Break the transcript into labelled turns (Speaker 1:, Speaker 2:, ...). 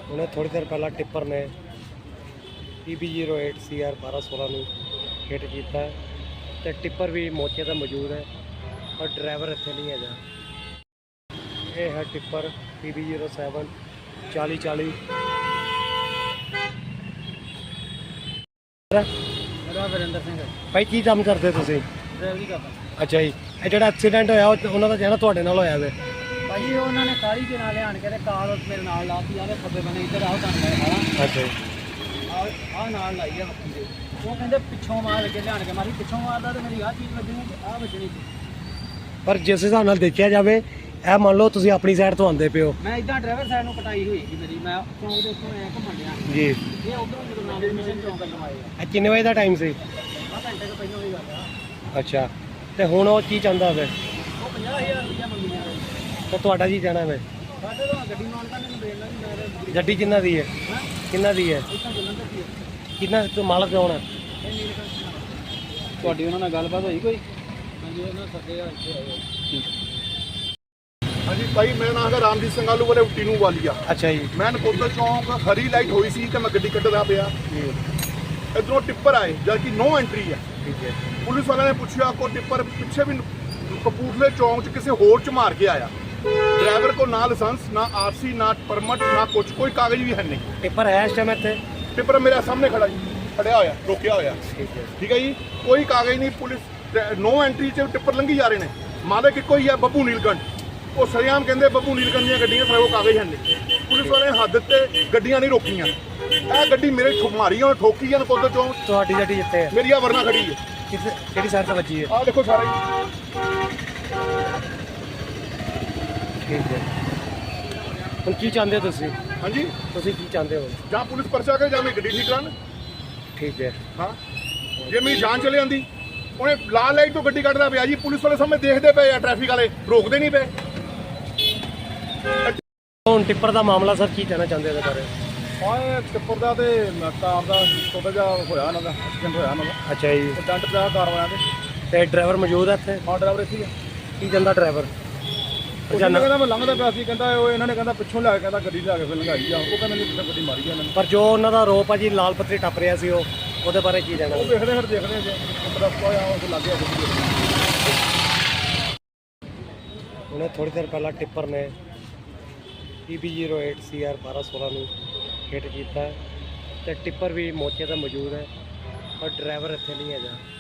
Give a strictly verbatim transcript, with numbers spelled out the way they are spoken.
Speaker 1: उन्हें थोड़ी देर पहला टिप्पर ने P B zero eight C R बारह सोलह हिट किया है तो टिप्पर भी मौके पर मौजूद है और ड्राइवर इतने नहीं है। ये है tipper P B zero seven चाली चाली।
Speaker 2: वरिंदर सिंह
Speaker 1: भाई की काम करते तुसीं?
Speaker 2: ड्राइवरी करदा।
Speaker 1: अच्छा जी, ये जो एक्सीडेंट होया उन्हों का कहना तुहाडे नाल होया वे?
Speaker 2: भाजी उन्होंने काली के नाल लियान के कार मेरे नाल लाती आवे खब्बे बने इधर आओ तुहानू मैं खाला।
Speaker 1: अच्छा जी,
Speaker 2: आ नाल लाई है बंदे वो कहंदे पिछों मार के लियान के मारी पिछों मारदा ते मेरी आ चीज़ वजनी ते आ वजनी।
Speaker 1: पर जिस हिसाब नाल देखिया जावे ਇਹ ਮੰਨ ਲਓ ਤੁਸੀਂ ਆਪਣੀ ਸਾਈਡ ਤੋਂ ਆਉਂਦੇ ਪਿਓ।
Speaker 2: मैं इदां ड्राइवर साइड ਨੂੰ ਕਟਾਈ ਹੋਈ ਸੀ ਮੇਰੀ ਮੈਂ ਚੌਂਕ ਦੇ ਉੱਤੋਂ ਐ ਘੁੰਮਣ ਡਿਆ
Speaker 1: ਜੀ
Speaker 2: ਇਹ ਉਧਰੋਂ ਜਦੋਂ ਨਾਮ ਮਿਸ਼ਨ ਚੌਂਕ ਵੱਲੋਂ ਆਏ ਆ
Speaker 1: ਇਹ ਕਿੰਨੇ ਵਜੇ ਦਾ ਟਾਈਮ ਸੀ?
Speaker 2: ਆ ਘੰਟੇ ਤੋਂ ਪਹਿਲਾਂ ਦੀ ਗੱਲ ਆ।
Speaker 1: ਅੱਛਾ, ਤੇ ਹੁਣ ਉਹ ਕੀ ਚਾਹੁੰਦਾ ਵੇ?
Speaker 2: ਉਹ ਪੰਜਾਹ ਹਜ਼ਾਰ ਰੁਪਇਆ ਮੰਗੀਆਂ ਨੇ।
Speaker 1: ਤੇ ਤੁਹਾਡਾ ਕੀ ਕਹਿਣਾ ਵੇ?
Speaker 2: ਸਾਡੇ ਤੋਂ ਗੱਡੀ ਮਾਲਕਾਂ ਨੇ ਦੇਣਾ ਨਹੀਂ ਮੈਂ
Speaker 1: ਗੱਡੀ ਕਿੰਨਾ ਦੀ ਹੈ?
Speaker 2: ਹਾਂ
Speaker 1: ਕਿੰਨਾ ਦੀ ਹੈ?
Speaker 2: ਇੱਥੋਂ ਜਲੰਧਰ ਦੀ ਹੈ।
Speaker 1: ਕਿੰਨਾ ਤੋਂ ਮਾਲਕ ਕੌਣ ਹੈ?
Speaker 2: ਇਹ ਨੀਲਕੰਠ ਤੁਹਾਡੀ ਉਹਨਾਂ ਨਾਲ ਗੱਲਬਾਤ ਹੋਈ ਕੋਈ? ਹਾਂਜੀ ਉਹਨਾਂ ਸੱਦੇ ਆ ਇੱਥੇ ਆਏ।
Speaker 3: हाँ जी भाई मेरा नाम है रामजीत सिंह आलू वाले टीनू वालिया।
Speaker 1: अच्छा जी,
Speaker 3: मैं नकोदर चौंक हरी लाइट हुई सी कि मैं गड्डी कट्टदा पिया इधरों टिप्पर आए जबकि नो एंट्री है।
Speaker 1: ठीक है।
Speaker 3: पुलिस वाले ने पूछा को टिप्पर पिछे भी कपूरथले चौंक च किसी होर च मार के आया। ड्राइवर को ना लाइसेंस ना आरसी ना परमिट ना कुछ कोई कागज भी है नहीं।
Speaker 1: पेपर है इस टाइम इतने?
Speaker 3: टिप्पर मेरे सामने खड़ा जी खड़िया होया रोकिया होया।
Speaker 1: ठीक है।
Speaker 3: ठीक है जी, कोई कागज नहीं। पुलिस नो एंट्री च टिप्पर लंघी जा रहे हैं। मालक इको ही है बब्बू नीलकंठ। ਉਹ ਸਰਿਆਮ ਕਹਿੰਦੇ ਬੱਬੂ ਨੀਲਕੰਠ ਦੀਆਂ ਗੱਡੀਆਂ ਸਾਰੇ ਉਹ ਕਾਗਜ਼ ਹਨ ਨਹੀਂ। ਪੁਲਿਸ ਵਾਲੇ ਨੇ ਹੱਦ ਤੇ ਗੱਡੀਆਂ ਨਹੀਂ ਰੋਕੀਆਂ। ਇਹ ਗੱਡੀ ਮੇਰੇ ਮਾਰੀ ਆ ਠੋਕੀ ਆ ਨਕੋਦਰ ਚੌਂਕ।
Speaker 1: ਤੁਹਾਡੀ ਗੱਡੀ ਜਿੱਥੇ ਹੈ?
Speaker 3: ਮੇਰੀ ਆ ਵਰਨਾ ਖੜੀ ਹੈ।
Speaker 1: ਕਿਸ ਕਿਹੜੀ ਸਾਈਡ ਤੇ ਵੱਜੀ ਹੈ?
Speaker 3: ਆਹ ਦੇਖੋ ਸਾਰਾ ਹੀ।
Speaker 1: ਠੀਕ ਹੈ। ਹੁਣ ਕੀ ਚਾਹੁੰਦੇ ਹੋ ਤੁਸੀਂ?
Speaker 3: ਹਾਂਜੀ
Speaker 1: ਤੁਸੀਂ ਕੀ ਚਾਹੁੰਦੇ ਹੋ?
Speaker 3: ਜਾਂ ਪੁਲਿਸ ਪਰਚਾ ਕਰੇ ਜਾਂ ਮੈਂ ਗੱਡੀ ਠੀਕ ਕਰਾਂ।
Speaker 1: ਠੀਕ ਹੈ।
Speaker 3: ਹਾਂ ਜੇ ਮੇਰੀ ਜਾਨ ਚਲੇ ਜਾਂਦੀ ਉਹਨੇ ਲਾਲ ਲਾਈਟ ਤੋਂ ਗੱਡੀ ਕੱਢਦਾ ਪਿਆ ਜੀ। ਪੁਲਿਸ ਵਾਲੇ ਸਾਹਮਣੇ ਦੇਖਦੇ ਪਏ ਆ, ਟ੍ਰੈਫਿਕ ਵਾਲੇ ਰੋਕਦੇ ਨਹੀਂ ਪਏ।
Speaker 1: ਹੁਣ ਟਿੱਪਰ ਦਾ ਮਾਮਲਾ ਸਰ ਕੀ ਕਹਿਣਾ ਚਾਹੁੰਦੇ ਇਹਦੇ ਬਾਰੇ?
Speaker 3: ਹਾਂ ਟਿੱਪਰ ਦਾ ਤੇ ਕਾਰ ਦਾ ਛੋਟਾ ਜਿਹਾ ਹੋਇਆ ਇਹਨਾਂ ਦਾ ਐਕਸੀਡੈਂਟ ਹੋਇਆ ਇਹਨਾਂ ਦਾ।
Speaker 1: ਅੱਛਾ ਜੀ,
Speaker 3: ਡੰਟ ਪਿਆ ਕਾਰ ਵਾਲਿਆਂ ਦੇ।
Speaker 1: ਤੇ ਡਰਾਈਵਰ ਮੌਜੂਦ ਹੈ ਇੱਥੇ?
Speaker 3: ਹਾਂ ਡਰਾਈਵਰ ਇੱਥੇ ਹੀ ਆ।
Speaker 1: ਕੀ ਕਹਿੰਦਾ ਡਰਾਈਵਰ?
Speaker 3: ਉਹ ਕਹਿੰਦਾ ਮੈਂ ਲੰਘਦਾ ਪਿਆ ਸੀ। ਕਹਿੰਦਾ ਉਹ ਇਹਨਾਂ ਨੇ ਕਹਿੰਦਾ ਪਿੱਛੋਂ ਲਿਆ ਕੇ ਕਹਿੰਦਾ ਗੱਡੀ ਲਿਆ ਕੇ ਫਿਰ ਲੰਘਾਈ ਆ। ਉਹ ਕਹਿੰਦਾ ਨਹੀਂ ਪਿੱਛੇ ਗੱਡੀ ਮਾਰੀ ਆ ਇਹਨਾਂ ਨੇ।
Speaker 1: ਪਰ ਜੋ ਉਹਨਾਂ ਦਾ ਆਰੋਪ ਆ ਜੀ ਲਾਲ ਪੱਤਰੀ ਟੱਪ ਰਿਹਾ ਸੀ ਉਹ ਉਹਦੇ ਬਾਰੇ ਕੀ ਕਹਿਣਾ?
Speaker 3: ਉਹ ਦੇਖਦੇ ਫਿਰ ਦੇਖਦੇ ਜੇ ਪਤਾ ਹੋਇਆ ਉਹ ਲੱਗ ਗਿਆ ਗੱਡੀ।
Speaker 1: उन्हें थोड़ी देर पहला टिप्पर ने P B zero eight C R बारह सोलह हिट किया है तो टिप्पर भी मौके पर मौजूद है और ड्राइवर इतने नहीं है।